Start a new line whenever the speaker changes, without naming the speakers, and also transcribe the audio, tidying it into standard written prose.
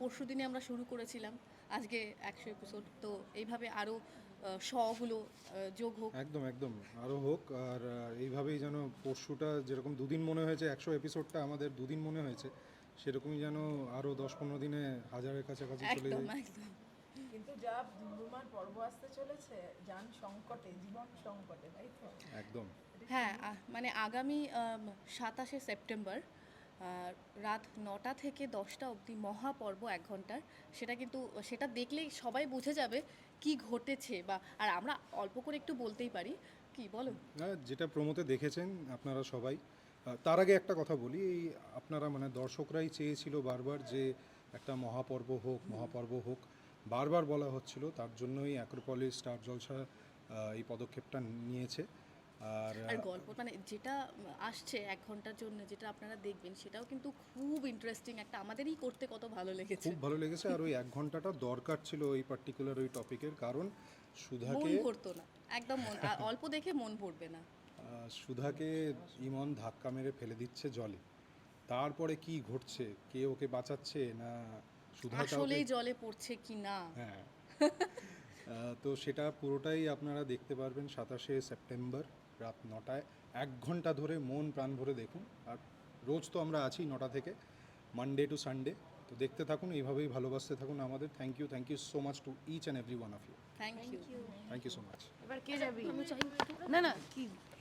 পরশু দিনে আমরা শুরু করেছিলাম, আজকে 100 এপিসোড, তো এইভাবে আরও শগুলো যোগ হোক।
একদম একদম আরও হোক। আর এইভাবেই যেন পরশুটা যেরকম দুদিন মনে হয়েছে, 100 এপিসোডটা আমাদের দুদিন মনে হয়েছে, সেরকমই যেন আরও 10-15 দিনে হাজারের কাছাকাছি চলে
একদম
যায়।
একদম।
কিন্তু যা ধুমধুমার পর্ব আসতে চলেছে, যান সংকটে, জীবন সংকটে, তাই তো?
একদম।
হ্যাঁ, মানে আগামী 27শে সেপ্টেম্বর রাত 9টা থেকে 10টা অবধি মহাপর্ব 1 ঘন্টার। সেটা কিন্তু সেটা দেখলেই সবাই বুঝে যাবে কি ঘটেছে, বা আর আমরা অল্প করে একটু বলতেই পারি, কি বলো?
যেটা প্রমোতে দেখেছেন আপনারা সবাই, তার আগে একটা কথা বলি, এই আপনারা মানে দর্শকরাই চেয়েছিল বারবার যে একটা মহাপর্ব হোক, মহাপর্ব হোক, বারবার বলা হচ্ছিল, তার জন্যই অ্যাক্রোপলিস স্টার জলসা এই পদক্ষেপটা নিয়েছে। আর
আর গল্প মানে যেটা আসছে 1 ঘন্টার জন্য, যেটা আপনারা দেখবেন, সেটাও কিন্তু খুব ইন্টারেস্টিং একটা, আমাদেরই করতে কত ভালো লেগেছে।
খুব ভালো লেগেছে। আর ওই 1 ঘন্টাটা দরকার ছিল ওই পার্টিকুলার ওই টপিকের, কারণ
মন
সুধাকে
ভরতো না, একদম মন অল্প দেখে মন ভরবে না।
সুধাকে ইমন ধাক্কা মেরে ফেলে দিচ্ছে জলে, তারপরে কি ঘটছে, কে ওকে বাঁচাচ্ছে না সুধা কাউকে,
আসলেই জলে পড়ছে কি না।
হ্যাঁ। তো সেটা পুরোটাই আপনারা দেখতে পারবেন 27শে সেপ্টেম্বর রাত 9টায়। 1 ঘন্টা ধরে মন প্রাণ ভরে দেখুন। আর রোজ তো আমরা আছি 9টা থেকে, মানডে টু সানডে। তো দেখতে থাকুন, এইভাবেই ভালোবাসতে থাকুন আমাদের। Thank you so much to each and every one of you.
Thank you.
Thank you so much.
এবার কে যাবি?
আমি চাই
না না, কি